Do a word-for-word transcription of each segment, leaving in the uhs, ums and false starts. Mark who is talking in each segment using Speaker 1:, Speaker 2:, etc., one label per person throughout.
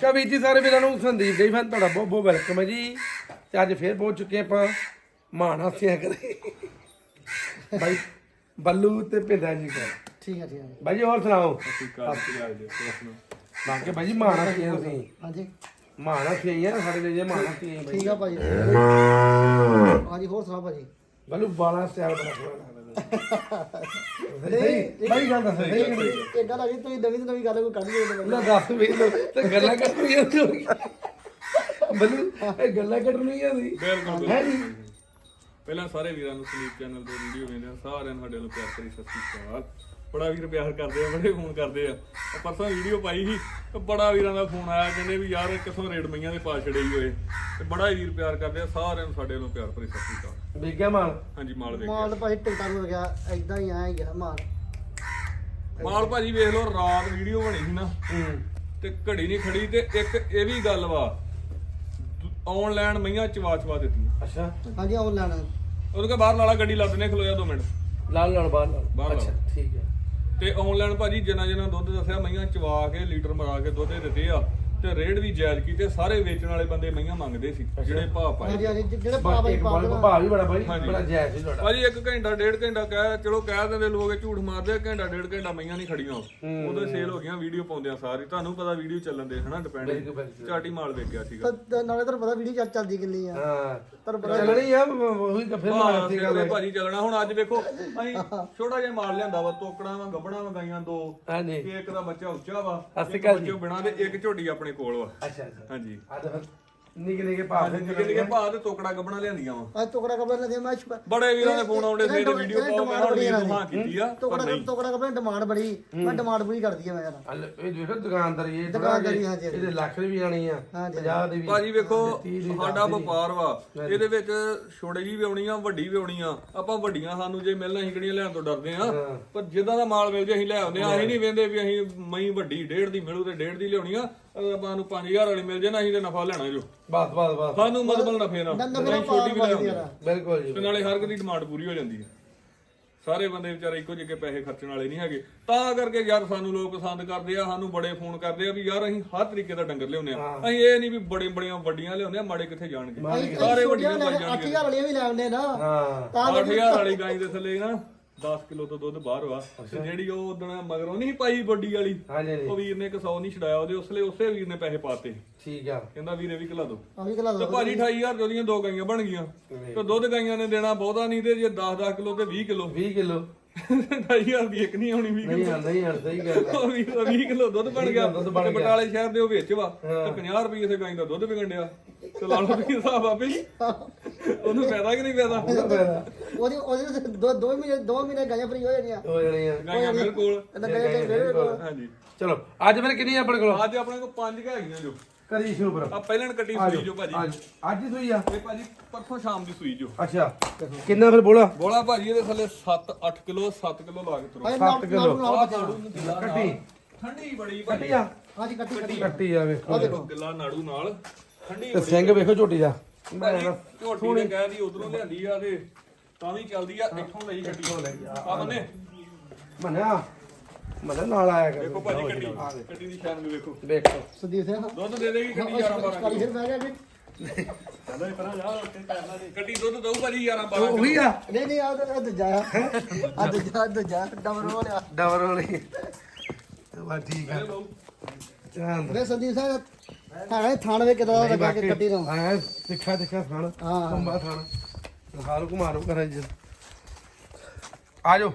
Speaker 1: ਨਮਸਕਾਰ ਵੀਰ ਜੀ ਸਾਰੇ ਵੀਰਾਂ ਨੂੰ ਸੰਦੀਪ ਜੀ ਫੈਨ ਤੁਹਾਡਾ ਬਹੁਤ ਬਹੁਤ ਵੈਲਕਮ ਹੈ ਜੀ ਤੇ ਅੱਜ ਫੇਰ ਪਹੁੰਚ ਚੁੱਕੇ ਆਪਾਂ ਮਾਨ ਹਾਸਿਆ ਕਰੇ ਬਾਈ ਬੱਲੂ ਤੇ ਪਿੰਦਾ ਜੀ ਕੋਲ
Speaker 2: ਠੀਕ ਹੈ ਠੀਕ ਹੈ
Speaker 1: ਬਾਈ ਜੀ ਹੋਰ ਸੁਣਾਓ ਬਾਕੀ ਬਾਈ ਜੀ ਮਾਨ ਹਾਸਿਆ ਤੁਸੀਂ
Speaker 2: ਹਾਂਜੀ
Speaker 1: ਮਾਨ ਹਾਸਿਆ ਸਾਡੇ ਲਈ ਜੇ ਮਾਨ ਹਾਸਿਆ
Speaker 2: ਠੀਕ ਆ ਭਾਜੀ ਹਾਂਜੀ ਹੋਰ ਸੁਣਾ ਭਾਜੀ
Speaker 1: ਬੱਲੂ ਬਾਲਾ ਸਟਾਈਲ ਬੜਾ ਸੋਹਣਾ ਲੱਗਦਾ ਨਹੀਂ ਬਾਈ ਗੱਲ ਦੱਸ ਸਹੀ
Speaker 2: ਇੱਕ ਗੱਲ ਆ ਗਈ ਤੁਸੀਂ ਨਵੀਂ ਨਵੀਂ ਗੱਲ ਕੋਈ ਕੱਢ ਲਿਓ
Speaker 1: ਨਾ ਦੱਸ ਵੀ ਤੇ ਗੱਲਾਂ ਕਰਨੀਆਂ ਬੱਲੂ ਇਹ ਗੱਲਾਂ ਕਰਨੀਆਂ ਸੀ
Speaker 3: ਬਿਲਕੁਲ
Speaker 1: ਹੈ ਜੀ
Speaker 3: ਪਹਿਲਾਂ ਸਾਰੇ ਵੀਰਾਂ ਨੂੰ ਸਲੀਪ ਚੈਨਲ ਤੇ ਵੀਡੀਓ ਵੇਖਦੇ ਆ ਸਾਰਿਆਂ ਨੂੰ ਸਾਡੇ ਵੱਲੋਂ ਪਿਆਰ ਭਰੀ ਸਤਿ ਸ਼੍ਰੀ ਅਕਾਲ। ਬੜਾ ਵੀਰ ਪਿਆਰ ਕਰਦੇ ਆ, ਬੜੇ ਫੋਨ ਕਰਦੇ ਆ। ਪਰਸੋਂ ਵੀਡੀਓ ਪਾਈ ਸੀ ਤੇ ਬੜਾ ਵੀਰਾਂ ਦਾ ਫੋਨ ਆਇਆ, ਕਹਿੰਦੇ ਵੀ ਯਾਰ ਕਿਥੋਂ ਰੇਡ ਮਈਆਂ ਦੇ ਪਾ ਛੜੇ ਹੀ ਹੋਏ ਤੇ ਬੜਾ ਹੀ ਵੀਰ ਪਿਆਰ ਕਰਦੇ ਆ। ਸਾਰਿਆਂ ਨੂੰ ਸਾਡੇ ਵੱਲੋਂ ਪਿਆਰ ਭਰੀ ਸਤਿ ਸ਼੍ਰੀ ਅਕਾਲ।
Speaker 1: ਵੇਖਿਆ ਮਾਲ
Speaker 3: ਹਾਂਜੀ ਮਾਲ ਵੇਖ
Speaker 2: ਮਾਲ ਭਾਜੀ ਟਿਕਟਾਂ ਹੋ ਗਿਆ ਐਦਾਂ ਹੀ ਆਇਆ ਗਿਆ ਮਾਲ
Speaker 3: ਮਾਲ ਭਾਜੀ ਵੇਖ ਲਓ, ਰਾਤ ਵੀਡੀਓ ਬਣੀ ਸੀ ਨਾ ਤੇ ਘੜੀ ਨਹੀਂ ਖੜੀ ਤੇ ਇੱਕ ਇਹ ਵੀ ਗੱਲ ਵਾ ਆਨਲਾਈਨ ਮਈਆਂ ਚਵਾ ਚਵਾ ਦਿੱਤੀਆਂ।
Speaker 1: ਅੱਛਾ
Speaker 2: ਹਾਂਜੀ ਆਨਲਾਈਨ
Speaker 3: ਉਹਨੂੰ ਕਹ ਬਾਹਰ ਲਾਲਾ ਗੱਡੀ ਲੱਦਨੇ ਖਲੋਇਆ ਦੋ ਮਿੰਟ
Speaker 1: ਲਾਲ ਲਾਲ ਬਾਹਰ ਲਾਲ
Speaker 3: ਬਾਹਰ
Speaker 1: ਅੱਛਾ ਠੀਕ ਹੈ
Speaker 3: ਤੇ ਆਨਲਾਈਨ ਭਾਜੀ ਜਿੰਨਾ ਜਿੰਨਾ ਦੁੱਧ ਦੱਸਿਆ ਮਈਆਂ ਚਵਾ ਕੇ ਲੀਟਰ ਮਰਾ ਕੇ ਦੁੱਧ ਦਿੱਤੇ ਆ ਤੇ ਰੇਟ ਵੀ ਜਾਇਜ਼ ਕੀਤੇ। ਸਾਰੇ ਵੇਚਣ ਵਾਲੇ ਬੰਦੇ ਮਈਆਂ ਮੰਗਦੇ ਸੀ ਜਿਹੜੇ ਭਾਅ ਪਾਏ।
Speaker 2: ਹਾਂਜੀ ਹਾਂਜੀ ਜਿਹੜੇ ਪਾ ਭਾਈ ਪਾ ਦੇਣਾ
Speaker 1: ਭਾਅ ਵੀ ਬੜਾ ਬਾਈ
Speaker 3: ਹਾਂਜੀ।
Speaker 1: ਬੜਾ ਜਾਇਜ਼ ਸੀ ਤੁਹਾਡਾ
Speaker 3: ਭਾਜੀ ਇੱਕ ਘੰਟਾ ਡੇਢ ਘੰਟਾ ਕਹਿ ਚਲੋ ਕਹਿ ਦਿੰਦੇ ਲੋਕ ਝੂਠ ਮਾਰਦੇ, ਘੰਟਾ ਡੇਢ ਘੰਟਾ ਮਈਆਂ ਨਹੀਂ ਖੜੀਆਂ ਉਦੋਂ ਸੇਲ ਹੋ ਗਈਆਂ। ਵੀਡੀਓ ਪਾਉਂਦੇ ਆ ਸਾਰੀ, ਤੁਹਾਨੂੰ ਪਤਾ ਵੀਡੀਓ ਚੱਲਣ ਦੇ ਹਨਾ ਡਿਪੈਂਡ ਚਾਟੀ ਮਾਲ ਵੇਖਿਆ ਸੀਗਾ।
Speaker 2: ਤਾਂ ਨਾਲੇ ਤੁਹਾਨੂੰ ਪਤਾ ਵੀਡੀਓ ਚੱਲ ਚੱਲਦੀ ਕਿੰਨੀ ਆ
Speaker 1: ਹਾਂ
Speaker 2: ਤੁਹਾਨੂੰ ਪਤਾ
Speaker 1: ਚੱਲਣੀ ਆ ਉਹੀ ਤਾਂ ਫਿਰ ਮਾਰ ਸੀ ਗੱਲ
Speaker 3: ਭਾਜੀ ਚੱਲਣਾ। ਹੁਣ ਅੱਜ ਵੇਖੋ ਅਸੀਂ ਛੋਟਾ ਜਿਹਾ ਮਾਲ ਲਿਆਂਦਾ ਵਾ, ਤੋਕੜਾਂ ਵਾ ਗੱਬੜਾਂ ਵਾ ਗਾਈਆਂ ਦੋ,
Speaker 1: ਹਾਂਜੀ
Speaker 3: ਇੱਕ ਦਾ ਬੱਚਾ ਉੱਚਾ ਵਾ,
Speaker 1: ਸਤਿ ਸ਼੍ਰੀ
Speaker 3: ਇੱਕ
Speaker 1: ਅਕਾਲ
Speaker 3: ਬੱਚੇ ਬਿਨਾ ਦੇ, ਇੱਕ ਝੋਟੀ ਆਪਣੇ ਕੋਲ ਵਾ।
Speaker 1: ਅੱਛਾ ਅੱਛਾ
Speaker 3: ਹਾਂਜੀ
Speaker 1: ਆ ਤਾਂ ਫਿਰ ਨਿੱਕੇ ਨਿੱਕੇ ਭਾਅ ਦੇ
Speaker 3: ਨਿੱਕੇ ਨਿੱਕੇ ਭਾਅ ਤੇ ਤੋਕੜਾ ਗੱਬੜਾਂ ਲਿਆਂਦੀਆਂ ਵਾ।
Speaker 2: ਅੱਜ ਟੁਕੜਾ ਕਬਰ ਲੱਗੇ ਮੈਂ
Speaker 3: ਬੜੇ ਵੀਰਾਂ ਦੇ ਫੋਨ ਆਉਂਦੇ ਸਵੇਰੇ ਵੀਡੀਓ ਪਾਓ, ਮੈਂ ਹੁਣ ਵੀਡੀਓ ਹਾਂ ਕੀਤੀ ਆ ਪਰ
Speaker 2: ਟੁਕੜਾ
Speaker 3: ਨਹੀਂ।
Speaker 2: ਟੁਕੜਾ ਕਬਰ ਡਿਮਾਂਡ ਬੜੀ ਮੈਂ ਡਿਮਾਂਡ ਪੂਰੀ ਕਰਦੀ ਆ ਮੈਂ ਯਾਰ
Speaker 1: ਹਲ ਇਹ ਦੇਖੋ ਦੁਕਾਨਦਾਰੀ ਇਹ
Speaker 2: ਦੁਕਾਨਦਾਰੀ, ਹਾਂਜੀ, ਹਾਂਜੀ।
Speaker 1: ਇਹਦੇ ਲੱਖ ਦੀ ਵੀ ਆਣੀ ਆ
Speaker 2: ਹਾਂਜੀ।
Speaker 1: ਪੰਜਾਹ ਦੀ ਵੀ
Speaker 3: ਭਾਜੀ ਵੇਖੋ
Speaker 1: ਤੀਹ ਦੀ,
Speaker 3: ਸਾਡਾ
Speaker 1: ਦਸ ਦੀ।
Speaker 3: ਵਪਾਰ ਵਾ, ਇਹਦੇ ਵਿੱਚ ਛੋਟੀ ਜੀ ਵੀ ਆਉਣੀ ਆ, ਵੱਡੀ ਵੀ ਆਉਣੀ ਆ। ਆਪਾਂ ਵੱਡੀਆਂ ਸਾਨੂੰ ਜੇ ਮਿਲਣਾ ਅਸੀਂ ਕਿਹੜੀਆਂ ਲੈਣ ਤੋਂ ਡਰਦੇ ਆ, ਪਰ ਜਿੱਦਾਂ ਦਾ ਮਾਲ ਮਿਲ ਜੇ ਅਸੀਂ ਲੈ ਆਉਂਦੇ ਆ। ਅਸੀਂ ਨਹੀਂ ਵੇਂਦੇ ਵੀ ਅਸੀਂ ਮਈ ਵੱਡੀ ਡੇਢ ਦੀ ਮਿਲੂ ਤੇ ਡੇਢ ਦੀ ਲਿਆਉਣੀ ਆ। ਅਗਰ ਆਪਾਂ ਨੂੰ ਪੰਜ ਹਜ਼ਾਰ ਵਾਲੀ ਮਿਲ ਜੇ ਨਾ ਅਸੀਂ ਤੇ ਨਫਾ ਲੈਣਾ ਜੋ
Speaker 1: ਬਸ ਬਸ ਬਸ
Speaker 3: ਸਾਨੂੰ ਮਤਲਬ ਨਫੇ ਨਾਲ
Speaker 2: ਨਵੇਂ
Speaker 3: ਅਸੀਂ ਛੋਟੀ ਵੀ ਲੈ ਆਉਂਦੇ ਆ।
Speaker 1: ਬਿਲਕੁਲ ਜੀ
Speaker 3: ਤੇ ਨਾਲੇ ਹਰ ਇੱਕ ਦੀ ਡਿਮਾਂਡ ਪੂਰੀ ਹੋ ਜਾਂਦੀ ਹੈ। ਸਾਰੇ ਬੰਦੇ ਵਿਚਾਰੇ ਇੱਕੋ ਜਿਹੇ ਪੈਸੇ ਖਰਚਣ ਵਾਲੇ ਨਹੀਂ ਹੈਗੇ, ਤਾਂ ਕਰਕੇ ਯਾਰ ਸਾਨੂੰ ਲੋਕ ਪਸੰਦ ਕਰਦੇ ਆ, ਸਾਨੂੰ ਬੜੇ ਫੋਨ ਕਰਦੇ ਆ ਵੀ ਯਾਰ ਅਸੀਂ ਹਰ ਤਰੀਕੇ ਦਾ ਡੰਗਰ ਲਿਆਉਂਦੇ ਆ। ਅਸੀਂ ਇਹ ਨਹੀਂ ਵੀ ਬੜੇ ਬੜੀਆਂ ਵੱਡੀਆਂ ਲਿਆਉਂਦੇ ਆ, ਮਾੜੇ ਕਿੱਥੇ ਜਾਣਗੇ। ਸਾਰੇ ਵੱਡੀਆਂ ਪਾਈ
Speaker 2: ਅੱਠ
Speaker 3: ਜਾਣਗੇ।
Speaker 2: ਹਜ਼ਾਰ ਵਾਲੀਆਂ ਵੀ ਲੈ ਆਉਂਦੇ ਨਾ
Speaker 1: ਹਾਂ
Speaker 2: ਤਾਂ
Speaker 3: ਅੱਠ ਹਜ਼ਾਰ ਵਾਲੀ ਗਾਈ ਦੇ ਥੱਲੇ ਨਾ ਦਸ ਕਿਲੋ ਤੋਂ ਦੁੱਧ ਬਾਹਰ ਵਾ। ਤੇ ਜਿਹੜੀ ਉਹ ਉਦੋਂ ਮਗਰੋਂ ਨਹੀਂ ਪਾਈ ਵੱਡੀ ਵਾਲੀ,
Speaker 1: ਹਾਂਜੀ
Speaker 3: ਉਹ ਵੀਰ ਨੇ ਇੱਕ ਸੌ ਨਹੀਂ ਛਡਾਇਆ ਉਹਦੇ, ਉਸਲੇ ਉਸੇ ਵੀਰ ਨੇ ਪੈਸੇ ਪਾਤੇ।
Speaker 1: ਠੀਕ ਆ
Speaker 3: ਕਹਿੰਦਾ ਵੀਰੇ ਵੀ ਖਿਲਾ ਦੋ।
Speaker 2: ਆ ਵੀ ਖਲਾ
Speaker 3: ਤੇ ਭਾਜੀ ਅਠਾਈ ਹਜ਼ਾਰ ਦੀ ਉਹਦੀਆਂ ਦੋ ਗਾਈਆਂ ਬਣ ਗਈਆਂ। ਤੇ ਦੁੱਧ ਗਾਈਆਂ ਨੇ ਦੇਣਾ ਬਹੁਤਾ ਨਹੀਂ, ਤੇ ਜੇ ਦਸ ਦਸ ਕਿਲੋ ਤੇ ਵੀਹ ਕਿਲੋ
Speaker 1: ਵੀਹ ਕਿਲੋ
Speaker 3: ਅਠਾਈ ਹਜ਼ਾਰ ਦੀ ਇੱਕ ਨਹੀਂ ਆਉਣੀ। ਵੀਹ
Speaker 1: ਨਹੀਂ
Speaker 3: ਕਿਲੋ
Speaker 1: ਆਉਂਦਾ ਹੀ ਆਉਂਦਾ ਸਹੀ ਗੱਲ ਆ।
Speaker 3: ਉਹ ਵੀਹ ਕਿਲੋ ਦੁੱਧ ਬਣ ਗਿਆ।
Speaker 1: ਦੁੱਧ ਬਣ
Speaker 3: ਤੇ
Speaker 1: ਗਿਆ।
Speaker 3: ਬਟਾਲੇ ਸ਼ਹਿਰ ਦੇ ਉਹ ਵਿੱਚ ਵਾ ਤੇ ਪੰਜਾਹ ਰੁਪਏ ਤੇ ਗਾਈ ਦਾ ਦੁੱਧ ਵਿਕਣ ਡਿਆ। ਤੇ ਲਾ ਲਓ ਵੀ ਹਿਸਾਬ ਆਪੇ ਹੀ। ਉਹਨੂੰ ਫਾਇਦਾ ਕਿ ਨਹੀਂ ਫਾਇਦਾ?
Speaker 2: ਉਹਦੀ ਉਹਦੇ ਦੋ ਦੋ ਮਹੀਨੇ ਦੋ ਮਹੀਨੇ ਗਾਇਆ ਫਰੀ ਹੋ ਜਾਣੀਆਂ
Speaker 1: ਹੋ ਜਾਣੀ ਆ
Speaker 3: ਗਾਈਆਂ ਬਿਲਕੁਲ।
Speaker 2: ਇਹਦਾ ਗਾਇਆ ਮੇਰੇ ਕੋਲ
Speaker 3: ਹਾਂਜੀ
Speaker 1: ਚਲੋ ਅੱਜ ਫਿਰ ਕਿੰਨੀ ਆਪਣੇ ਕੋਲ
Speaker 3: ਅੱਜ ਆਪਣੇ ਕੋਲ ਪੰਜ ਕੁ ਹੈਗੀਆਂ ਜੋ।
Speaker 1: ਕਰੀ ਸ਼ੁਰੂ ਕਰੋ
Speaker 3: ਆ ਪਹਿਲਾਂ ਕੱਟੀ ਸੂਈ ਜੋ ਭਾਜੀ।
Speaker 1: ਅੱਜ ਅੱਜ ਹੀ ਸੂਈ ਆ
Speaker 3: ਇਹ ਭਾਜੀ ਪਰਸੋਂ ਸ਼ਾਮ ਦੀ ਸੂਈ ਜੋ।
Speaker 1: ਅੱਛਾ ਕਿੰਨਾ ਫਿਰ ਬੋਲਾ
Speaker 3: ਬੋਲਾ ਭਾਜੀ ਇਹਦੇ ਥੱਲੇ ਸੱਤ ਅੱਠ ਕਿਲੋ ਸੱਤ ਕਿਲੋ ਲਾ ਕੇ ਤੁਰੋ।
Speaker 1: ਸੱਤ ਕਿਲੋ
Speaker 3: ਕੱਟੀ
Speaker 1: ਕੱਟੀ
Speaker 3: ਠੰਡੀ ਬੜੀ
Speaker 1: ਕੱਟੀ
Speaker 3: ਭਾਜੀ।
Speaker 1: ਆ
Speaker 2: ਹਾਂਜੀ ਕੱਟੀ ਕੱਟੀ
Speaker 1: ਕੱਟੀ ਆ ਵੇਖੋ
Speaker 3: ਦੇਖੋ ਗਿੱਲਾ ਨਾੜੂ ਨਾਲ ਠੰਡੀ
Speaker 1: ਤੇ ਸਿੰਘ ਵੇਖੋ ਝੋਟੀ ਦਾ
Speaker 3: ਭਾਜੀ ਝੋਟੀ ਨੇ ਕਹਿ ਦੀ ਉਧਰੋਂ ਲਿਆਂਦੀ ਆ ਤੇ ਤਾਂ ਵੀ ਚੱਲਦੀ ਆ। ਇੱਥੋਂ ਲਈ ਗੱਡੀ ਆ ਬੰਨੇ
Speaker 1: ਮਨਾ ਮਨਾ ਨਾਲ ਆਇਆ ਕਰ
Speaker 3: ਦੇਖੋ ਭਾਜੀ ਕੱਟੀ ਕੱਟੀ ਦੀ ਸ਼ਾਨ ਵੀ ਵੇਖੋ।
Speaker 1: ਵੇਖੋ
Speaker 2: ਸੰਦੀਪ ਸਿੰਘ
Speaker 3: ਦੁੱਧ ਦੇ ਦੇਗੀ ਕੱਟੀ ਗਿਆਰਾਂ ਬਾਰਾਂ
Speaker 2: ਕਾਲੀ
Speaker 3: ਕਿਲੋ।
Speaker 2: ਫਿਰ ਬਹਿ ਗਿਆ ਜੀ
Speaker 3: ਕੱਟੀ ਦੁੱਧ ਦਊ ਭਾਜੀ ਗਿਆਰਾਂ ਬਾਰਾਂ ਕਿਲੋ।
Speaker 1: ਉਹੀ ਆ
Speaker 2: ਨਹੀਂ ਨਹੀਂ ਆ ਤਾਂ ਦੂਜਾ ਆ ਆ ਦੂਜਾ ਦੂਜਾ ਡਬਲ ਹੋ ਲਿਆ
Speaker 1: ਡਬਰ ਵਾਲੀ ਵਾ ਠੀਕ ਆ
Speaker 3: ਲਓ।
Speaker 1: ਧਿਆਨ
Speaker 2: ਵੇ ਸੰਦੀਪ ਸਿੰਘ ਹੈ ਥਾਣ ਵੇ ਕਿਦਾਂ ਲੱਗਾ ਕੇ ਕੱਟੀ ਨੂੰ
Speaker 1: ਹਾਂ ਦੇਖਾ ਦੇਖਾ ਖਾਣ
Speaker 2: ਹਾਂ।
Speaker 1: ਕੰਬਾ ਖਾਣ ਹਾਲ ਘੁਮਾਰੋ ਕਰਾਂ ਜੀ ਆ ਜਾਓ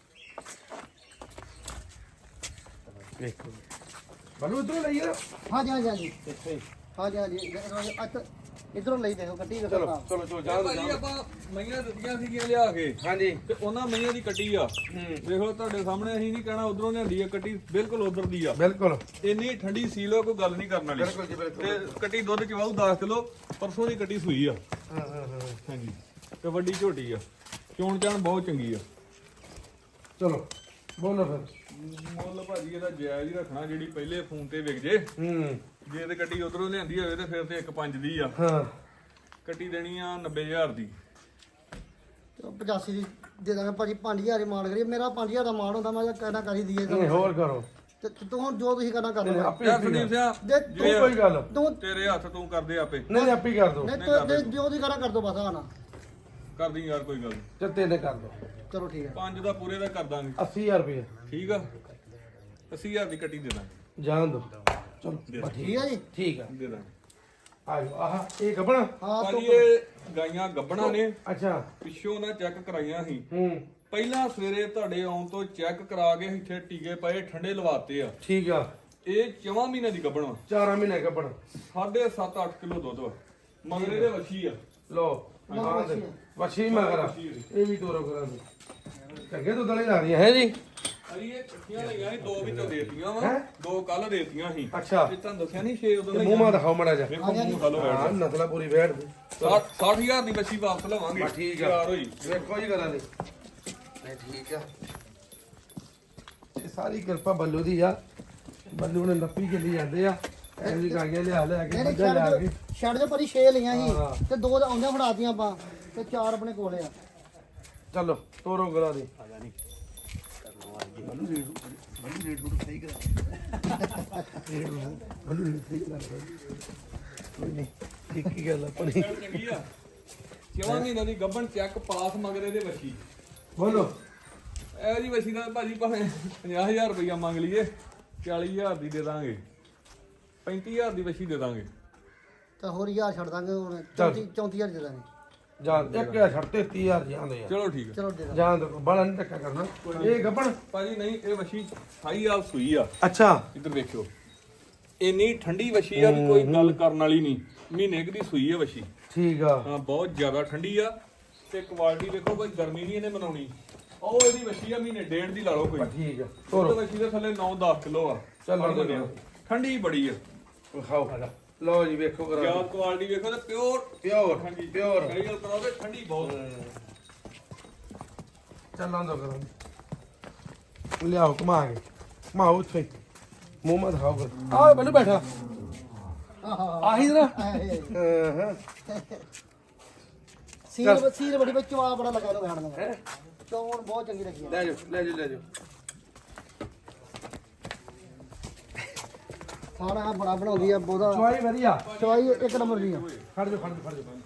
Speaker 1: ਵੇਖੋ ਬਲੂ ਇਧਰੋਂ ਲਈ ਯਾਰ
Speaker 2: ਹਾਂਜੀ ਹਾਂਜੀ ਹਾਂਜੀ
Speaker 1: ਇੱਥੇ
Speaker 2: ਹਾਂਜੀ ਹਾਂਜੀ ਅੱਤ ਇਧਰੋਂ ਲਈ ਦੇਖੋ ਕੱਟੀ ਵੇਖੋ
Speaker 1: ਚਲੋ
Speaker 2: ਨਾ
Speaker 1: ਚਲੋ ਚਲੋ ਜਾ
Speaker 3: ਭਾਜੀ ਆਪਾਂ ਮਈਆਂ ਦਿੱਤੀਆਂ ਸੀਗੀਆਂ ਲਿਆ ਕੇ
Speaker 1: ਹਾਂਜੀ
Speaker 3: ਤੇ ਉਹਨਾਂ ਮਈਆਂ ਦੀ ਕੱਟੀ ਆ। ਦੇਖੋ ਤੁਹਾਡੇ ਸਾਹਮਣੇ ਅਸੀਂ ਨਹੀਂ ਕਹਿਣਾ ਉਧਰੋਂ ਲਿਆਂਦੀ ਆ ਕੱਟੀ, ਬਿਲਕੁਲ ਉਧਰ ਦੀ ਆ।
Speaker 1: ਬਿਲਕੁਲ
Speaker 3: ਇੰਨੀ ਠੰਡੀ ਸੀਲ ਕੋਈ ਗੱਲ ਨਹੀਂ ਕਰਨ ਵਾਲੀ।
Speaker 1: ਬਿਲਕੁਲ ਜੀ ਬਿਲਕੁਲ
Speaker 3: ਤੇ ਕੱਟੀ ਦੁੱਧ ਚਵਾਉ ਦਸ ਕਿਲੋ ਪਰਸੋਂ ਦੀ ਕੱਟੀ ਸੂਈ ਆ।
Speaker 1: ਹਾਂ ਹਾਂ ਹਾਂ
Speaker 3: ਹਾਂਜੀ ਤੇ ਵੱਡੀ ਝੋਟੀ ਆ, ਚੋਣ ਚਾਣ ਬਹੁਤ ਚੰਗੀ ਆ।
Speaker 1: ਚਲੋ ਬੋਲੋ ਫਿਰ
Speaker 3: ਮੁੱਲ ਭਾਜੀ ਇਹਦਾ ਜਾਇਜ਼ ਹੀ ਰੱਖਣਾ, ਜਿਹੜੀ ਪਹਿਲੇ ਫੋਨ ਤੇ ਵਿਕ ਜੇ।
Speaker 1: ਹੂੰ
Speaker 3: ਜੇ ਤੇ ਕੱਟੀ ਉਧਰੋਂ ਲਿਆਂਦੀ ਹੋਵੇ ਤੇ ਫਿਰ ਤੇ ਇੱਕ ਪੰਜ ਦੀ ਆ।
Speaker 1: ਹਾਂ
Speaker 3: ਕੱਟੀ ਦੇਣੀ ਆ ਨੱਬੇ ਹਜ਼ਾਰ ਦੀ।
Speaker 2: ਪਚਾਸੀ ਦੀ ਦੇ ਦਾਂਗੇ ਭਾਜੀ ਪੰਜ ਹਜ਼ਾਰ ਹੀ ਮਾਨ ਕਰੀਏ। ਮੇਰਾ ਪੰਜ ਹਜ਼ਾਰ ਦਾ ਮਾਨ ਹੁੰਦਾ ਮੈਂ ਕਹਿੰਦਾ ਕਰੀ ਦਈਏ
Speaker 1: ਨਹੀਂ ਹੋਰ ਕਰੋ
Speaker 2: ਤੇ ਤੂੰ ਹੁਣ ਜੋ ਤੁਸੀਂ ਕਰਨਾ ਕਰ
Speaker 1: ਨਹੀਂ,
Speaker 2: ਲਓ
Speaker 1: ਆਪੇ
Speaker 3: ਯਾਰ
Speaker 1: ਆਪੇ
Speaker 3: ਸੰਦੀਪ
Speaker 1: ਕਰ।
Speaker 3: ਸਿੰਘ
Speaker 2: ਜੇ
Speaker 1: ਤੂੰ ਕੋਈ ਗੱਲ
Speaker 2: ਤੂੰ
Speaker 3: ਤੇਰੇ ਹੱਥ ਤੂੰ ਕਰਦੇ ਆਪੇ
Speaker 1: ਨਹੀਂ ਆਪੇ ਹੀ ਕਰ ਦੋ
Speaker 2: ਨਹੀਂ ਤੂੰ ਜੇ ਜੋ ਤੁਸੀਂ ਕਰਨਾ ਕਰ ਦੋ ਬਸ ਆਣਾ
Speaker 3: ਕਰਦੀ ਯਾਰ ਕੋਈ ਗੱਲ ਨੀ।
Speaker 1: ਤੇ ਤਿੰਨ ਕਰ ਦੋ
Speaker 2: ਚਲੋ ਠੀਕ ਹੈ
Speaker 3: ਪੰਜ ਦਾ ਪੂਰੇ ਦਾ ਕਰ ਦਾਂਗੇ
Speaker 1: ਅੱਸੀ ਹਜ਼ਾਰ ਰੁਪਏ
Speaker 3: ਠੀਕ ਆ ਅੱਸੀ ਹਜ਼ਾਰ ਦੀ ਕੱਟੀ ਦੇ ਦਾਂਗੇ
Speaker 1: ਜਾਣ ਦੋ ਚਲੋ ਬਸ
Speaker 2: ਠੀਕ ਹੈ ਜੀ
Speaker 1: ਠੀਕ ਆ
Speaker 3: ਦੇ ਦਾਂਗੇ
Speaker 1: ਆਜੋ ਆਹ ਇਹ ਗੱਬਣਾ
Speaker 2: ਹਾਂ
Speaker 3: ਭਾਜੀ
Speaker 2: ਤੂੰ
Speaker 3: ਇਹ ਗਾਈਆਂ ਗੱਬਣਾ ਨੇ
Speaker 1: ਅੱਛਾ
Speaker 3: ਪਿੱਛੋਂ ਨਾ ਚੈੱਕ ਕਰਾਈਆਂ ਸੀ
Speaker 1: ਹੂੰ
Speaker 3: ਪਹਿਲਾਂ ਸਵੇਰੇ ਤੁਹਾਡੇ ਆਉਣ ਤੋਂ ਚੈੱਕ ਕਰਾ ਕੇ ਇੱਥੇ ਟੀਕੇ ਪਏ ਠੰਡੇ ਲਵਾਤੇ ਆ
Speaker 1: ਠੀਕ ਆ
Speaker 3: ਇਹ ਚੌਵਾਂ ਮਹੀਨੇ ਦੀ ਗੱਬਣਾ
Speaker 1: ਚਾਰਾਂ ਮਹੀਨੇ ਗੱਬਣ
Speaker 3: ਸਾਢੇ ਸੱਤ ਅੱਠ ਕਿਲੋ ਦੁੱਧ ਵਾ ਮਗਰੇ ਦੇ ਵੱਛੀ ਆ
Speaker 1: ਲੋ ਆਹ ਦੇ ਵਛੀ ਮਗਰਾ ਇਹ ਵੀ ਤੋਰੋ ਕਰਾ ਦੋ ਚੰਗੇ ਦੁੱਧ ਵਾਲੀ ਲਾ ਰਹੀਆਂ ਹੈ ਜੀ
Speaker 3: ਅਰੀ ਇਹ ਇਕੱਠੀਆਂ ਲਈਆਂ ਸੀ ਦੋ ਵਿੱਚੋਂ ਦੇਤੀਆਂ ਵਾ
Speaker 1: ਹੈਂ?
Speaker 3: ਦੋ ਕੱਲ ਦੇਤੀਆਂ ਸੀ
Speaker 1: ਅੱਛਾ
Speaker 3: ਇਹ ਤੁਹਾਨੂੰ ਦੱਸਿਆ ਨਹੀਂ ਛੇ ਉਦੋਂ
Speaker 1: ਤੇ ਮੂੰਹ ਮਾ ਦਿਖਾਓ ਮੜਾ ਜਾ
Speaker 3: ਵੇਖੋ ਮੂੰਹ ਖਾਲੋ
Speaker 1: ਹਾਂ
Speaker 3: ਬੈਠ
Speaker 1: ਨਸਲਾ ਪੂਰੀ ਬੈਠ ਦੀ
Speaker 3: ਸੱਠ ਹਜ਼ਾਰ ਦੀ ਵੱਛੀ ਵਾਪਸ ਲਵਾਂਗੇ
Speaker 1: ਬਸ ਠੀਕ ਆ।
Speaker 3: ਤਿਆਰ ਹੋਈ
Speaker 1: ਵੇਖੋ ਜੀ ਕਰਾਂ ਦੀ ਨਹੀਂ ਠੀਕ ਆ ਇਹ ਸਾਰੀ ਕਿਰਪਾ ਬੱਲੂ ਦੀ ਆ ਬੱਲੂ ਨੇ ਲੱਪੀ ਕੇ ਲਈ ਜਾਂਦੇ ਆ ਐਵੇਂ ਗਾਈਆਂ ਲਿਆ ਲਿਆ ਕੇ
Speaker 2: ਨਹੀਂ ਨਹੀਂ
Speaker 1: ਮੱਝਾਂ ਲਿਆ
Speaker 2: ਛੱਡ
Speaker 1: ਕੇ
Speaker 2: ਦਿਓ ਛੱਡ ਦਿਓ ਭਾਜੀ ਛੇ ਲਈਆਂ
Speaker 1: ਹਾਂ।
Speaker 2: ਸੀ ਤੇ ਦੋ ਤਾਂ ਆਉਂਦੀਆਂ ਫੜਾਤੀਆਂ ਆਪਾਂ ਤੇ ਚਾਰ ਆਪਣੇ ਕੋਲੇ ਆ
Speaker 1: ਚਲੋ ਤੋਰੋ ਗਲਾ ਦੀ ਬੱਲੂ ਰੇਟ ਸਹੀ ਕਰਾ ਕੋਈ ਨਹੀਂ ਠੀਕ ਹੀ ਗੱਲ ਆਪਣੀ
Speaker 3: ਚੰਗੀ ਆ ਚੌਵਾਂ ਮਹੀਨੇ ਦੀ ਗੱਬਣ ਚੈੱਕ ਪਾਸ ਮਗਰੇ ਦੇ ਵੱਛੀ
Speaker 1: ਬੋਲੋ
Speaker 3: ਇਹ ਜੀ ਵੱਛੀ ਦਾ ਭਾਜੀ ਭਾਵੇਂ ਪੰਜਾਹ ਹਜ਼ਾਰ ਰੁਪਈਆ ਮੰਗ ਲਈਏ ਚਾਲੀ ਹਜ਼ਾਰ ਦੀ ਦੇ ਦਾਂਗੇ ਪੈਂਤੀ ਹਜ਼ਾਰ ਦੀ ਵੱਛੀ ਦੇ ਦਾਂਗੇ
Speaker 2: ਤਾਂ ਹੋਰ ਹਜ਼ਾਰ ਛੱਡ ਦਾਂਗੇ ਹੁਣ
Speaker 1: ਚੱਲ।
Speaker 2: ਚੌਂਤੀ ਚੌਂਤੀ ਹਜ਼ਾਰ ਦੇ ਦਾਂਗੇ
Speaker 1: ਜਾਨ ਇੱਕ ਹਜ਼ਾਰ ਛੱਡ ਤੇ ਤੀਹ ਹਜ਼ਾਰ ਜਾਂਦੇ ਆ
Speaker 3: ਚਲੋ ਠੀਕ ਹੈ
Speaker 2: ਚਲੋ ਦੇ ਦਾਂਗੇ
Speaker 1: ਜਾਨ ਦੋ ਬੜਾ ਨਹੀਂ ਟੱਕਾ ਕਰਨਾ ਇਹ ਗੱਬਣ
Speaker 3: ਭਾਜੀ ਨਹੀਂ ਇਹ ਵੱਛੀ ਅਠਾਈ ਹਾਲ ਸੂਈ ਆ
Speaker 1: ਅੱਛਾ
Speaker 3: ਇੱਧਰ ਵੇਖਿਓ ਇੰਨੀ ਠੰਡੀ ਵੱਛੀ ਆ ਵੀ ਕੋਈ ਗੱਲ ਕਰਨ ਵਾਲੀ ਨਹੀਂ ਮਹੀਨੇ ਕੁ ਦੀ ਸੂਈ ਆ ਵੱਛੀ
Speaker 1: ਠੀਕ ਆ
Speaker 3: ਹਾਂ ਬਹੁਤ ਜ਼ਿਆਦਾ ਠੰਡੀ ਆ ਤੇ ਕੁਆਲਿਟੀ ਦੇਖੋ ਕੋਈ ਗਰਮੀ ਨਹੀਂ ਇਹਨੇ ਮਨਾਉਣੀ ਉਹ ਇਹਦੀ ਵੱਛੀ ਆ ਮਹੀਨੇ ਡੇਢ ਦੀ ਲਾ ਲਓ ਕੋਈ
Speaker 1: ਠੀਕ ਆ
Speaker 3: ਉਹ
Speaker 1: ਤੋਰੋ
Speaker 3: ਵੱਛੀ ਦੇ ਥੱਲੇ ਨੌ ਦਸ ਕਿਲੋ ਆ
Speaker 1: ਚੱਲ
Speaker 3: ਫੜ
Speaker 1: ਲਓ
Speaker 3: ਦਿੰਦੇ ਆ। ਠੰਡੀ ਬੜੀ ਆ
Speaker 1: ਖਾਓ ਲਓ ਜੀ ਵੇਖੋ ਕਰਾ
Speaker 3: ਯਾਰ ਕੁਆਲਿਟੀ ਵੇਖੋ ਤੇ ਪਿਓਰ
Speaker 1: ਪਿਓਰ
Speaker 3: ਹਾਂਜੀ
Speaker 1: ਪਿਓਰ
Speaker 3: ਕਈ ਗੱਲ ਕਰਾਓਗੇ ਠੰਡੀ ਬਹੁਤ
Speaker 1: ਚੱਲਾਂ ਦੋ ਕਰਾਂ ਲਿਆਓ ਕਮਾ ਕੇ ਮਾਓ ਉੱਥੇ ਮੂੰਹ ਮਾ ਦਿਖਾਓ ਕਰ ਆ ਬੱਲੂ ਬੈਠਾ
Speaker 2: ਆਹਾ
Speaker 1: ਆਹੀ ਜਰਾ
Speaker 2: ਆਹੇ।
Speaker 1: ਹਾਂ
Speaker 2: ਸੀਲ ਸੀਲ ਬੜੀ ਵਿੱਚ ਚਵਾ ਬੜਾ ਲੱਗਾ ਇਹਨੂੰ ਖਾਣ ਦਾ ਚੌਣ ਬਹੁਤ ਚੰਗੀ ਲੱਗੀ ਆ।
Speaker 1: ਲੈ ਜਾਓ ਲੈ ਜਾਓ ਲੈ ਜਾਓ
Speaker 2: ਖਾਣਾ ਬੜਾ ਬਣਾਉਂਦੀ ਆ ਬਹੁਤਾ
Speaker 1: ਚਵਾਈ ਵਧੀਆ
Speaker 2: ਚਵਾਈ ਇੱਕ ਨੰਬਰ ਦੀ ਆ
Speaker 1: ਖੜ ਜਾ ਖੜ ਜਾ ਖੜ ਜਾ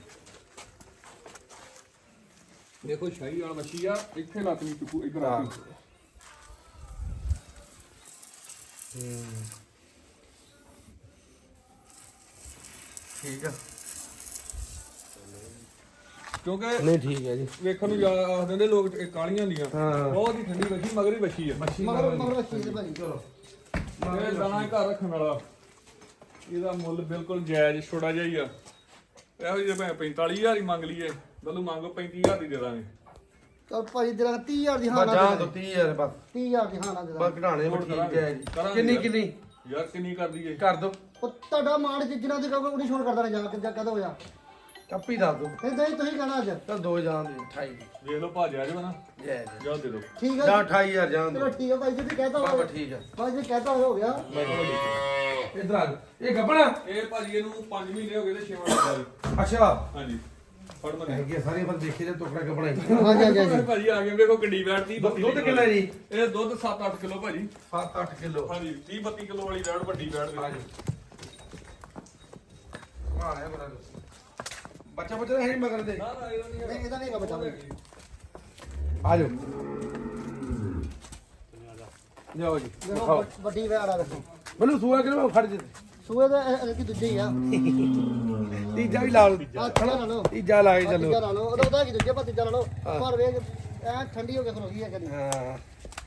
Speaker 3: ਦੇਖੋ ਸ਼ਾਹੀ ਵਾਲਾ ਮੱਛੀ ਆ ਇੱਥੇ ਲੱਤ ਨਹੀਂ ਚੁੱਕੂ ਇੱਧਰ ਆ ਕੇ।
Speaker 1: ਠੀਕ ਆ
Speaker 3: ਕਿਉਂਕਿ
Speaker 1: ਨਹੀਂ ਠੀਕ ਹੈ ਜੀ
Speaker 3: ਵੇਖਣ ਨੂੰ ਜ਼ਿਆਦਾ ਆਖ ਦਿੰਦੇ ਲੋਕ ਇਹ ਕਾਲੀਆਂ ਹੁੰਦੀਆਂ
Speaker 1: ਹਾਂ
Speaker 3: ਬਹੁਤ ਹੀ ਠੰਡੀ ਵੱਛੀ ਮਗਰ ਹੀ ਵੱਛੀ ਆ
Speaker 1: ਮੱਛੀ
Speaker 2: ਮਗਰ ਮਗਰ ਬੱਚੀ ਦੇ ਭਾਜੀ
Speaker 1: ਚਲੋ
Speaker 3: ਇਹ ਦਾਣਾ ਹੀ ਘਰ ਰੱਖਣ ਵਾਲਾ ਇਹਦਾ ਮੁੱਲ ਬਿਲਕੁਲ ਜਾਇਜ਼ ਛੋੜਾ ਜਿਹਾ ਹੀ ਆ ਇਹੋ ਜਿਹੇ ਭਾਵੇਂ ਪੈਂਤਾਲੀ ਹਜ਼ਾਰ ਹੀ ਮੰਗ ਲਈਏ ਬੱਲੂ ਮੰਗੋ ਪੈਂਤੀ ਹਜ਼ਾਰ ਦੀ ਦੇ ਦਾਂਗੇ
Speaker 2: ਚਲ ਭਾਜੀ ਦੇ ਦਾਂਗੇ ਤੀਹ ਹਜ਼ਾਰ ਦੀ ਹਾਂ ਨਾ
Speaker 1: ਬਚਾ
Speaker 2: ਦੇ
Speaker 1: ਦੋ
Speaker 2: ਦਾਂਗੇ।
Speaker 1: ਤੀਹ ਹਜ਼ਾਰ ਬਸ
Speaker 2: ਤੀਹ ਹਜ਼ਾਰ ਦੀ ਹਾਂ ਨਾ ਦੇ
Speaker 1: ਬਸ
Speaker 2: ਦਾਂਗੇ
Speaker 1: ਘਟਾਣੇ
Speaker 3: ਹੋਰ
Speaker 1: ਠੀਕ
Speaker 3: ਕਰਾਂਗੇ।
Speaker 1: ਹੈ ਜੀ
Speaker 3: ਕਰਾਂਗੇ
Speaker 1: ਕਿੰਨੀ
Speaker 3: ਯਾਰ।
Speaker 1: ਕਿੰਨੀ
Speaker 3: ਯਾਰ ਕਿੰਨੀ ਕਰ ਦਈਏ
Speaker 1: ਕਰ ਦੋ
Speaker 2: ਉਹ ਤੁਹਾਡਾ ਮਾਣ ਜਿੰਨਾ ਦੀ ਕਹੋਗੇ ਉਹਨੀ ਛੋੜ ਕਰਦਾ ਰਹੇ ਜਾ ਕੇ ਜਾ ਕਦੋਂ ਹੋਇਆ
Speaker 1: ਕੱਪੀ ਦੱਸ ਦੋ
Speaker 2: ਇਦਾਂ ਹੀ ਤੁਸੀਂ ਕਹਿਣਾ ਅੱਜ
Speaker 1: ਤਾਂ ਦੋ ਜਾਣ ਦੀ ਅਠਾਈ
Speaker 3: ਵੇਖ ਲਓ ਭਾਜ ਆ ਜਾਓ ਨਾ
Speaker 1: ਜੈ ਜੈ
Speaker 3: ਜਾ ਦੇ ਦਿਓ
Speaker 2: ਠੀਕ
Speaker 1: ਜਾਂ
Speaker 2: ਹੈ
Speaker 1: ਅਠਾਈ ਹਜ਼ਾਰ ਜਾਣ
Speaker 2: ਚਲੋ
Speaker 1: ਦੋ
Speaker 2: ਠੀਕ ਹੈ ਭਾਈ ਜੀ ਤੁਸੀਂ ਕਹਿਤਾ
Speaker 1: ਬਾਬਾ
Speaker 2: ਹੋਇਆ
Speaker 1: ਠੀਕ ਆ
Speaker 2: ਭਾਈ ਜੀ ਕਹਿਤਾ ਹੋਇਆ ਹੋ ਗਿਆ
Speaker 1: ਇਧਰ ਆ ਜਾਓ। ਇਹ ਗੱਬਣਾ
Speaker 3: ਇਹ ਭਾਜੀ ਇਹਨੂੰ ਪੰਜ ਮਹੀਨੇ ਹੋ ਗਏ ਤੇ ਛੇਵਾਂ ਲੱਗਾ ਜੀ
Speaker 1: ਅੱਛਾ
Speaker 3: ਹਾਂਜੀ ਫੜ ਮਨੇ
Speaker 1: ਹੈਗੇ ਸਾਰੇ ਪਰ ਦੇਖੇ ਜੇ ਟੁਕੜਾ ਗੱਬਣਾ ਹੀ
Speaker 2: ਹਾਂਜੀ ਹਾਂਜੀ ਹਾਂਜੀ
Speaker 3: ਭਾਜੀ ਆ ਗਏ ਵੇਖੋ ਕਿੱਡੀ ਬੈਠਦੀ
Speaker 1: ਦੁੱਧ ਕਿੰਨਾ ਜੀ
Speaker 3: ਇਹ ਦੁੱਧ ਸੱਤ ਅੱਠ ਕਿਲੋ ਭਾਜੀ
Speaker 1: ਸੱਤ ਅੱਠ ਕਿਲੋ
Speaker 3: ਹਾਂਜੀ ਤੀਹ ਬੱਤੀ ਕਿਲੋ ਵਾਲੀ ਬੈਠ ਵੱਡੀ ਬੈਠ
Speaker 1: ਆ
Speaker 3: ਦੇ
Speaker 1: ਜਾਓ ਮਾਰਿਆ ਬੜਾ ਬੱਚਾ ਬੱਚਾ ਹੈ ਨਹੀਂ ਮਗਰ ਦੇ
Speaker 3: ਨਾ ਨਾ ਇਹਦਾ ਨਹੀਂ
Speaker 2: ਨਹੀਂ ਇਹਦਾ ਨਹੀਂ ਹੈਗਾ ਬੱਚਾ ਭਾਈ।
Speaker 1: ਆ ਜਾਓ ਜਾਓ ਜੀ
Speaker 2: ਦੇਖੋ
Speaker 1: ਖਾਓ
Speaker 2: ਵੱਡ- ਵੱਡੀ ਵੈੜ ਆ ਦੇਖੋ
Speaker 1: ਮੈਨੂੰ ਸੂਆ ਕਿਹਨੇ ਖੜ ਜੇ
Speaker 2: ਸੂਏ ਦਾ ਇਹ- ਇਹ ਕੀ ਦੂਜੇ ਹੀ ਆ
Speaker 1: ਤੀਜਾ ਵੀ ਲਾ ਲਓ
Speaker 2: ਆ ਤੀਜਾ ਲਾ ਲਓ
Speaker 1: ਤੀਜਾ ਲਾ ਕੇ
Speaker 2: ਆਹ
Speaker 1: ਚੱਲੋ
Speaker 2: ਤੀਜਾ ਲਾ ਲਓ ਉਹਦਾ ਉਹਦਾ ਕੀ ਦੂਜੇ ਪਾ ਤੀਜਾ ਲਾ ਲਓ ਪਰ ਵੇਖ ਐ ਠੰਡੀ ਹੋ ਕੇ ਖਲੋ ਗਈ ਹੈ ਕਦੀ
Speaker 1: ਹਾਂ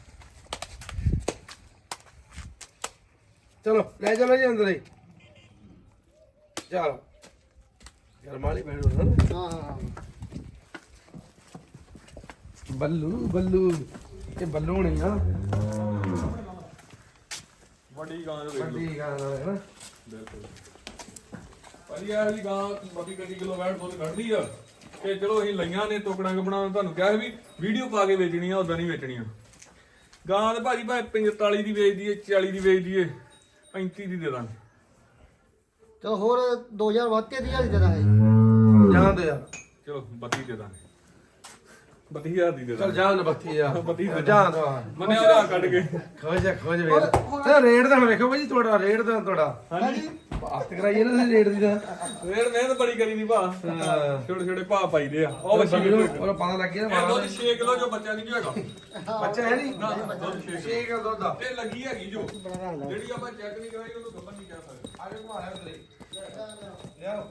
Speaker 1: ਚਲੋ ਲੈ ਚਲੋ ਜੀ ਅੰਦਰ ਹੀ ਚਲੋ ਗਰਮਾਲੀ ਬੈਠੋ ਨਾ
Speaker 2: ਹਾਂ ਹਾਂ ਹਾਂ
Speaker 1: ਬੱਲੂ ਬੱਲੂ ਇਹ ਬੱਲੂ ਨਹੀਂ ਆ
Speaker 3: ਵੱਡੀ ਗਾਂ ਜੋ ਵੇਖ ਲਓ
Speaker 1: ਵੱਡੀ ਗਾਂ ਨਾਲ ਹੈ ਨਾ
Speaker 3: ਬਿਲਕੁਲ ਭਾਜੀ ਇਹ ਜੀ ਗਾਂ ਬੱਤੀ ਕੱਤੀ ਕਿਲੋ ਬੈਠ ਦੁੱਧ ਕੱਢਦੀ ਆ ਤੇ ਚਲੋ ਅਸੀਂ ਲਈਆਂ ਨੇ ਟੋਕੜਾਂ ਕਪਣਾ ਤੁਹਾਨੂੰ ਕਿਹਾ ਸੀ ਵੀ ਵੀਡੀਓ ਪਾ ਕੇ ਵੇਚਣੀ ਆ ਉਦਾਂ ਨਹੀਂ ਵੇਚਣੀਆਂ ਗਾਂ ਤੇ ਭਾਜੀ ਭਾਵੇਂ ਪੰਤਾਲੀ ਦੀ ਵੇਚਦੀ ਏ ਚਾਲੀ ਦੀ ਵੇਚਦੀ ਏ ਪੈਂਤੀ ਦੀ ਦੇ ਦਾਂਗੇ
Speaker 2: ਚਲੋ ਹੋਰ ਦੋ ਹਜ਼ਾਰ ਵੱਧ ਤੀਹ ਹਜ਼ਾਰ ਦੀ ਦੇ ਦਾਂਗੇ
Speaker 1: ਜਾਣ ਦੇ ਯਾਰ
Speaker 3: ਚਲੋ ਬੱਤੀ ਦੇ ਦਾਂਗੇ ਬੱਤੀ ਹਜ਼ਾਰ ਦੀ ਦੇ
Speaker 1: ਚਲ
Speaker 3: ਦਾਂ
Speaker 1: ਜਾਨ ਬੱਤੀ ਆ
Speaker 3: ਬੱਤੀ ਦੇ
Speaker 1: ਜਾਨ ਦੋ
Speaker 3: ਮੰਨਿਆ ਉਹਦਾ ਕੱਢ ਕੇ
Speaker 1: ਖੋਜ ਖੋਜ ਵੇਖ ਤੇ ਰੇਟ ਦਾ ਵੇਖੋ ਭਾਜੀ ਤੁਹਾਡਾ ਰੇਟ ਦਾ ਤੁਹਾਡਾ
Speaker 3: ਹਾਂਜੀ
Speaker 1: ਬਾਤ ਕਰਾਈਏ ਨਾ ਰੇਟ ਦੀ ਤਾਂ
Speaker 3: ਰੇਟ ਮਿਹਨਤ ਬੜੀ ਕਰੀ ਦੀ ਭਾ ਛੋਟੇ ਛੋਟੇ ਭਾ ਪਾਈਦੇ ਆ ਉਹ ਬੱਚੀ
Speaker 1: ਬੱਚੀ ਨੂੰ ਉਹ ਪਤਾ ਲੱਗ ਗਿਆ
Speaker 3: ਇਹ ਦੁੱਧ ਛੇ ਕਿਲੋ ਜੋ ਬੱਚਾ ਨਹੀਂ ਹੈਗਾ
Speaker 1: ਬੱਚਾ ਹੈ ਨਹੀਂ
Speaker 3: ਨਾ ਦੁੱਧ ਛੇ
Speaker 1: ਛੇ ਕਿਲੋ ਦੁੱਧ ਆ
Speaker 3: ਤੇ ਲੱਗੀ ਹੈਗੀ ਜੋ ਜਿਹੜੀ ਆਪਾਂ ਚੈੱਕ ਨਹੀਂ ਕਰਾਈ ਉਹਨੂੰ ਗੱਬਨ ਨਹੀਂ ਕਹਿ ਸਕਦੇ
Speaker 1: ਆ ਕੇ ਘੁਮਾਇਆ ਉਧਰੇ ਲਿਆਓ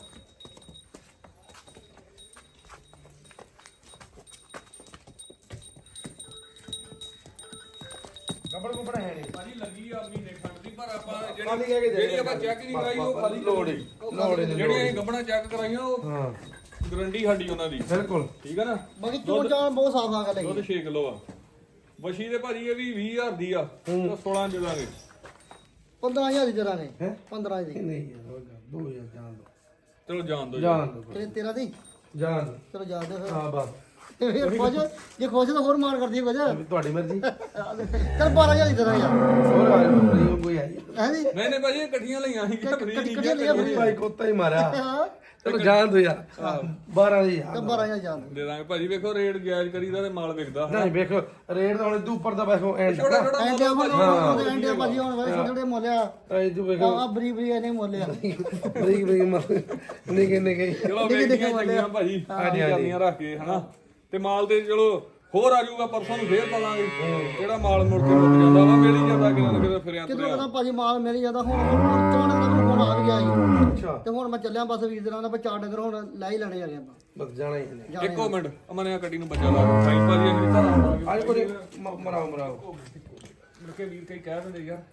Speaker 1: ਗੱਬੜ ਗੁੱਬੜ ਹੈ ਨਹੀਂ
Speaker 3: ਭਾਜੀ ਲੱਗੀ ਆ ਮਹੀਨੇ ਖੰਡ ਦੀ ਪਰ ਆਪਾਂ
Speaker 1: ਖਾਲੀ ਕਹਿ ਕੇ
Speaker 3: ਜਿਹੜੀ
Speaker 1: ਦੇ
Speaker 3: ਜਿਹੜੀ ਆਪਾਂ ਚੈੱਕ ਨਹੀਂ ਕਰਾਈ ਉਹ ਖਾਲੀ
Speaker 1: ਲੋੜ ਹੀ ਲੋੜ ਹੀ ਨਹੀਂ
Speaker 3: ਜਿਹੜੀਆਂ ਅਸੀਂ ਗੱਬਣਾ ਚੈੱਕ ਕਰਾਈਆਂ ਉਹ
Speaker 1: ਹਾਂ
Speaker 3: ਗਰੰਟੀ ਸਾਡੀ ਉਹਨਾਂ ਦੀ
Speaker 1: ਬਿਲਕੁਲ
Speaker 3: ਠੀਕ ਆ ਨਾ
Speaker 2: ਬਾਕੀ ਚੋਣ ਚਾਣ ਬਹੁਤ ਸਾਫ ਆ ਗੱਲ
Speaker 3: ਦੁੱਧ
Speaker 2: ਹੈਗੀ
Speaker 3: ਛੇ ਕਿਲੋ ਆ ਵਸ਼ੀ ਦੇ ਭਾਜੀ ਇਹ ਵੀ ਵੀਹ ਹਜ਼ਾਰ ਦੀ ਆ ਤਾਂ ਸੋਲਾਂ ਦੇ ਦਾਂਗੇ
Speaker 2: ਪੰਦਰਾਂ ਹਜ਼ਾਰ ਦੀ ਜਰਾ ਨੇ
Speaker 1: ਹੈਂ?
Speaker 2: ਪੰਦਰਾਂ ਦੀ
Speaker 1: ਨਹੀਂ ਯਾਰ ਦੋ ਹਜ਼ਾਰ ਜਾਣ ਦੋ
Speaker 3: ਚਲੋ ਜਾਣ ਦੋ
Speaker 1: ਜਾਣ ਦੋ
Speaker 2: ਕਿੰਨੇ ਤੇਰਾਂ ਦੀ
Speaker 1: ਜਾਣ ਦੋ
Speaker 2: ਚਲੋ ਜਾ ਦੇ ਫਿਰ
Speaker 1: ਹਾਂ ਬਸ
Speaker 2: ਤੇ ਫਿਰ ਖੁਸ਼ ਜੇ ਖੁਸ਼ ਤਾਂ ਹੋਰ ਮਾਰ ਕਰਦੀ ਕੁਝ
Speaker 1: ਵੀ ਤੁਹਾਡੀ ਮਰਜ਼ੀ
Speaker 2: ਚਲ ਬਾਰਾਂ ਹਜ਼ਾਰ ਦੀ ਜਰਾ ਯਾਰ
Speaker 1: ਹੋਰ ਆ ਜਾਓ ਫਰੀ ਕੋਈ ਆਈ
Speaker 2: ਹੈ ਜੀ
Speaker 3: ਨਹੀਂ ਨਹੀਂ ਭਾਜੀ ਇਹ ਇਕੱਠੀਆਂ ਲਈਆਂ ਸੀ ਕਿ ਫਰੀ ਨਹੀਂ
Speaker 2: ਇਕੱਠੀਆਂ ਲਈਆਂ free।
Speaker 1: ਭਾਈ ਕੋਤਾ ਹੀ ਮਾਰਿਆ
Speaker 2: ਹਾਂ
Speaker 1: ਚਲੋ ਜਾਣ ਦੋ ਯਾਰ ਬਾਰਾਂ ਦੀ
Speaker 2: ਤੇ
Speaker 1: ਯਾਰ
Speaker 2: ਬਾਰਾਂ ਹਜ਼ਾਰ ਜਾਣ
Speaker 3: ਦੇ ਦਾਂਗੇ ਭਾਜੀ ਵੇਖੋ ਰੇਟ ਜਾਇਜ਼ ਕਰੀਦਾ ਤੇ ਮਾਲ ਵਿਕਦਾ
Speaker 1: ਨਹੀਂ ਵੇਖੋ ਰੇਟ ਤਾਂ ਹੁਣ ਇਦੋਂ ਉੱਪਰ ਦਾ ਵੇਖੋ ਐਂਡ
Speaker 3: ਛੋਟਾ ਛੋਟਾ
Speaker 2: ਐਂਡੇ ਹੁਣ ਐਂਡੇ ਭਾਜੀ ਹੁਣ ਵਾਲੇ ਛੋਟੇ ਛੋਟੇ ਮੋਲਿਆ
Speaker 1: ਇਦੋਂ ਵੇਖੋ
Speaker 2: ਆ ਬਰੀ ਬਰੀ ਇਹਨੇ ਮੋਲਿਆ
Speaker 1: ਬਰੀਕ ਬਰੀਕ ਮਰ ਨਿੱਕੇ ਨਿੱਕੇ
Speaker 3: ਚਲੋ ਵੇਖੀਆਂ ਚੰਗੀਆਂ ਭਾਜੀ ਹਾਂਜੀ ਕਰਨੀਆਂ ਰੱਖ ਕੇ ਹਨਾ ਤੇ ਮਾਲ ਤੇ ਚਲੋ ਹੋਰ ਆ ਜਾਊਗਾ ਪਰਸੋਂ ਨੂੰ ਫੇਰ ਪਾਵਾਂਗੇ ਜਿਹੜਾ ਮਾਲ ਮੁੜ ਕੇ ਮੁੱਕ ਜਾਂਦਾ ਵਾ ਮਿਲ ਹੀ ਜਾਂਦਾ ਕਿਤੇ ਨਾ ਕਿਤੇ ਫਿਰਿਆ
Speaker 2: ਕਿਦੋਂ
Speaker 3: ਤੁਰਿਆ
Speaker 2: ਪਤਾ ਭਾਜੀ ਮਾਲ ਮਿਲ ਜਾਂਦਾ ਹੁਣ ਚੋਣ ਦਾ ਫੋਨ ਆ ਵੀ ਗਿਆ ਸੀ
Speaker 1: ਅੱਛਾ
Speaker 2: ਤੇ ਹੁਣ ਮੈਂ ਚੱਲਿਆ ਬਸ ਵੀਰ ਦਿਨਾਂ ਦਾ ਆਪਾਂ ਚਾਰ ਡੰਗਰ ਹੁਣ ਲੈ ਹੀ ਲੈਣੇ ਹੈਗੇ ਆਪਾਂ
Speaker 1: ਬਸ ਜਾਣਾ ਹੀ ਨਹੀਂ
Speaker 3: ਇੱਕੋ ਮਿੰਟ ਅਮਨੇ ਆ ਗੱਡੀ ਨੂੰ ਬੱਚਾ ਲਾ ਦੋ ਸਾਈਂ ਭਾਜੀ ਅਸੀਂ ਤਾਂ ਆਵਾਂਗੇ
Speaker 1: ਅੱਜ ਕੋਈ ਮ- ਮਰਾਓ ਮਰਾਓ
Speaker 3: ਮੁੜ ਕੇ ਵੀਰ ਕਈ ਕਹਿ ਦਿੰਦੇ ਯਾਰ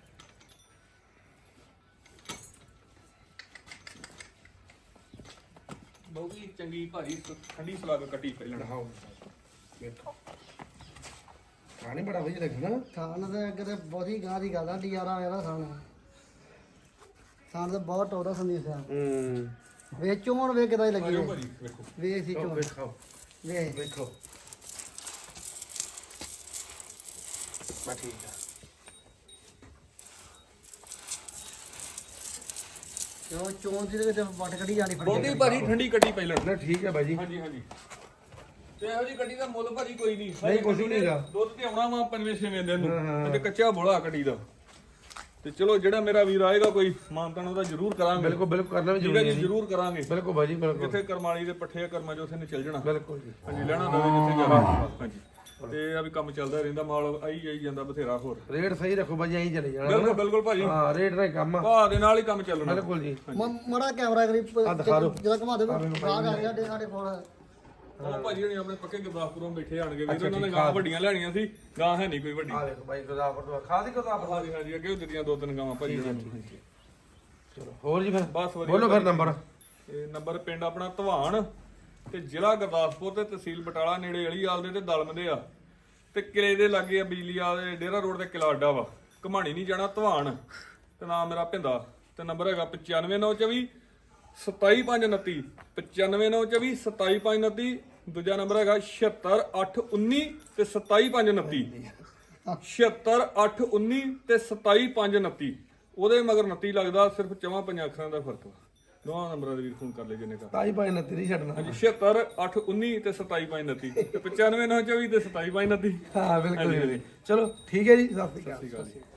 Speaker 3: ਬਹੁਤੀ ਚੰਗੀ ਭਾਜੀ ਠੰਡੀ ਸਲਾਗ ਕੱਟੀ ਪਹਿਲਾਂ
Speaker 1: ਲੜਾਓ ਵੇਖੋ ਖਾਣੇ ਬੜਾ ਵਧੀਆ ਲੱਗਣਾ
Speaker 2: ਥਾਣ ਦੇ ਅੱਗੇ ਤੇ ਬਹੁਤੀ ਗਾਂ ਦੀ ਗੱਲ ਆ ਡੀਆਰ ਆ ਇਹਦਾ ਥਾਣ ਥਾਣ ਤੇ ਬਹੁਤ ਟੋਦਾ ਸੰਦੀਪ ਆ
Speaker 1: ਹੂੰ
Speaker 2: ਵੇਚੋ ਹੁਣ ਵੇ ਕਿਦਾਂ ਲੱਗੀ
Speaker 3: ਆਜੋ
Speaker 2: ਹੈ।
Speaker 3: ਭਾਜੀ ਵੇਖੋ
Speaker 2: ਵੇਖ ਸੀ ਚੋਣ
Speaker 1: ਵੇਖੋ
Speaker 2: ਵੇਖ
Speaker 1: ਵੇਖੋ ਬਾ ਠੀਕ ਆ
Speaker 2: ਜੋ ਚੋਣ ਦੀ ਦੇ ਵਿੱਚ ਵੱਟ ਕੱਢੀ ਜਾਣੀ ਫੜੀ
Speaker 3: ਬਹੁਤੀ ਭਾਜੀ ਠੰਡੀ ਕੱਟੀ ਪਹਿਲਾਂ
Speaker 1: ਨਾ ਠੀਕ ਹੈ ਬਾਈ ਜੀ
Speaker 3: ਹਾਂਜੀ ਹਾਂਜੀ ਤੇ ਇਹੋ ਜੀ ਗੱਡੀ ਦਾ ਮੁੱਲ ਭਾਜੀ ਕੋਈ ਨਹੀਂ
Speaker 1: ਨਹੀਂ, ਕੁਛ ਵੀ ਨਹੀਂਗਾ।
Speaker 3: ਦੁੱਧ ਤੇ ਆਉਣਾ ਵਾ ਪੰਜਵੇਂ ਛੇਵੇਂ ਦਿਨ
Speaker 1: ਹਾਂ, ਹਾਂ।
Speaker 3: ਨੂੰ ਤੇ ਕੱਚਾ ਬੋਲਾ ਗੱਡੀ ਦਾ ਤੇ ਚਲੋ ਜਿਹੜਾ ਮੇਰਾ ਵੀਰ ਆਏਗਾ ਕੋਈ ਮਾਨਤਾਨ ਉਹਦਾ ਜ਼ਰੂਰ ਕਰਾਂਗੇ
Speaker 1: ਬਿਲਕੁਲ ਬਿਲਕੁਲ ਕਰਨਾ ਵੀ
Speaker 3: ਠੀਕ ਹੈ
Speaker 1: ਜ਼ਰੂਰੀ
Speaker 3: ਜੀ
Speaker 1: ਹੈ
Speaker 3: ਜ਼ਰੂਰ ਕਰਾਂਗੇ
Speaker 1: ਬਿਲਕੁਲ ਬਾਈ ਜੀ ਬਿਲਕੁਲ
Speaker 3: ਜਿੱਥੇ ਕਰਮਾਲੀ ਦੇ ਪੱਠੇ ਕਰਮਾਂ ਚ ਉੱਥੇ ਨੇ ਚੱਲ ਜਾਣਾ
Speaker 1: ਬਿਲਕੁਲ ਜੀ
Speaker 3: ਹਾਂਜੀ ਲੈਣਾ ਦਵੇ ਜਿੱਥੇ ਜਾਣਾ ਹਾਂਜੀ ਤੇ ਆ ਵੀ ਕੰਮ ਚੱਲਦਾ ਰਹਿੰਦਾ ਮਾਲ ਆਈ ਜਾਈ ਜਾਂਦਾ ਬਥੇਰਾ ਹੋਰ
Speaker 1: ਰੇਟ ਸਹੀ ਰੱਖੋ ਬਾਈ ਐਂ ਚਲੇ ਜਾਣਾ
Speaker 3: ਬਿਲਕੁਲ ਬਿਲਕੁਲ ਭਾਜੀ
Speaker 1: ਹਾਂ ਰੇਟ ਦਾ ਹੀ ਕੰਮ ਆ
Speaker 3: ਭਾਅ ਦੇ ਨਾਲ ਹੀ ਕੰਮ ਚੱਲਣਾ
Speaker 1: ਬਿਲਕੁਲ ਜੀ
Speaker 2: ਮੜਾ ਕੈਮਰਾ ਕਰੀ
Speaker 1: ਦਿਖਾ ਦਿਓ।
Speaker 2: ਜਿਹੜਾ ਘੁਮਾ ਦੇ ਬਾਗ ਆ ਗਿਆ ਸਾਡੇ ਸਾਡੇ ਕੋਲ
Speaker 3: ਉਹ ਭਾਜੀ ਹਣੀ ਆਪਣੇ ਪੱਕੇ ਗੁਰਦਾਸਪੁਰੋਂ ਬੈਠੇ ਆਣਗੇ ਵੀਰ ਉਹਨਾਂ ਨੇ ਗਾਂ ਵੱਡੀਆਂ ਲੈਣੀਆਂ ਸੀ ਗਾਂ ਹੈ ਨਹੀਂ ਕੋਈ ਵੱਡੀ
Speaker 1: ਆ ਵੇਖੋ ਬਾਈ ਗੁਰਦਾਸਪੁਰ ਤੋਂ ਖਾਦੀ ਗੁਰਦਾਸਪੁਰ
Speaker 3: ਹਾਂਜੀ ਹਾਂਜੀ ਅੱਗੇ ਉਹ ਦਿੱਤੀਆਂ ਦੋ ਤਿੰਨ ਗਾਵਾਂ ਭਾਜੀ ਉਹਨਾਂ ਨੂੰ
Speaker 1: ਚਲੋ ਹੋਰ ਜੀ ਫਿਰ
Speaker 3: ਬਸ ਵਧੀਆ
Speaker 1: ਬੋਲੋ ਫਿਰ ਨੰਬਰ
Speaker 3: ਇਹ ਨੰਬਰ ਪਿੰਡ ਆਪਣਾ ਧਵਾਨ ਤੇ ਜ਼ਿਲ੍ਹਾ ਗੁਰਦਾਸਪੁਰ ਤੇ ਤਹਿਸੀਲ ਬਟਾਲਾ ਨੇੜੇ ਅਲੀਆਲ ਦੇ ਤੇ ਦਲਮ ਦੇ ਆ ਤੇ ਕਿਲੇ ਦੇ ਲਾਗੇ ਆ ਬਿਜਲੀ ਆ ਦੇ ਡੇਰਾ ਰੋਡ ਤੇ ਕਿਲਾ ਅੱਡਾ ਵਾ ਘਮਾਣੀ ਨਹੀਂ ਜਾਣਾ ਧਵਾਨ ਤੇ ਨਾਮ ਮੇਰਾ ਭਿੰਦਾ ਤੇ ਨੰਬਰ ਹੈਗਾ ਪਚਾਨਵੇਂ ਨੌ ਚੌਵੀ ਸਤਾਈ ਪੰਜ ਉਨੱਤੀ ਪਚਾਨਵੇਂ ਨੌ ਚੌਵੀ ਸਤਾਈ ਪੰਜ ਉਨੱਤੀ ਦੂਜਾ ਨੰਬਰ ਹੈਗਾ ਛਿਅੱਤਰ ਅੱਠ ਉੱਨੀ ਤੇ ਸਤਾਈ ਪੰਜ ਉਨੱਤੀ ਛਿਅੱਤਰ ਅੱਠ ਉੱਨੀ ਤੇ ਸਤਾਈ ਪੰਜ ਉਨੱਤੀ ਉਹਦੇ ਮਗਰ ਉਨੱਤੀ ਲੱਗਦਾ ਸਿਰਫ ਚਵਾਂ ਪੰਜਾਂ ਅੱਖਰਾਂ ਦਾ ਫਰਕ ਵਾ ਦੋਵਾਂ ਨੰਬਰਾਂ ਦੇ ਵੀਰ ਫੋਨ ਕਰ ਲੈ ਜਿੰਨੇ ਕਰ
Speaker 1: ਤਾਈ ਭਾਈ ਨੇ ਤੇਰੀ ਛੱਡਣਾ
Speaker 3: ਹਾਂਜੀ ਛਿਅੱਤਰ ਅੱਠ ਉੱਨੀ ਤੇ ਸਤਾਈ ਪੰਜ ਉਨੱਤੀ ਤੇ ਪਚਾਨਵੇਂ ਨੌ ਚੌਵੀ ਤੇ ਸਤਾਈ ਪੰਜ ਉਨੱਤੀ
Speaker 1: ਹਾਂ ਬਿਲਕੁਲ ਜੀ। ਚਲੋ ਠੀਕ ਹੈ ਜੀ ਸਤਿ ਸ਼੍ਰੀ ਅਕਾਲ
Speaker 3: ਠੀਕ ਆ ਜੀ